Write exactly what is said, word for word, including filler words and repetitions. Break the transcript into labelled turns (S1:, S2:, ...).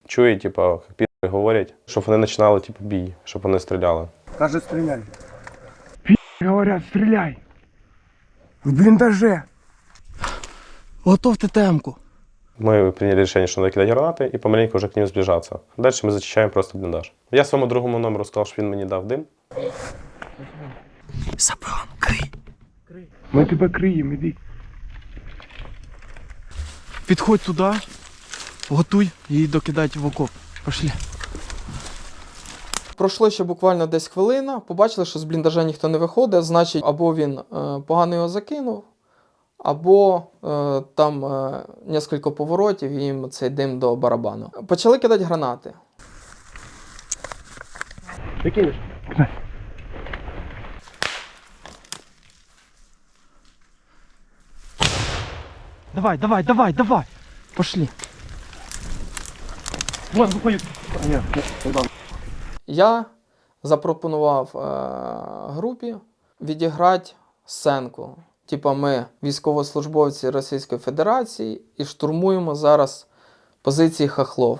S1: чує, типу, як підери говорять, щоб вони починали типу, бій, щоб вони стріляли.
S2: Каже, стріляй.
S3: Говорят, стреляй.
S2: В бліндаже.
S4: Готовте темку.
S1: Ми прийняли рішення, що треба кидати гранати і помаленьку вже к ним зближатися. Далі ми зачищаємо просто бліндаж. Я своєму другому номеру сказав, що він мені дав дим.
S4: Сапрон, крий.
S3: Мы тебя крием, иди.
S4: Підходь туди, готуй її докидати в окоп. Пошли. Пройшло ще буквально десь хвилина, побачили, що з бліндажа ніхто не виходить, значить, або він е, погано його закинув, або е, там е, кілька поворотів і їм цей дим до барабану. Почали кидати гранати.
S3: Ты кинешь?
S4: Давай, давай, давай, давай. Пошли.
S3: Вон, выходит. Нет, нет,
S4: Я запропонував е, групі відіграти сценку. Типа ми військовослужбовці Російської Федерації і штурмуємо зараз позиції хахлов.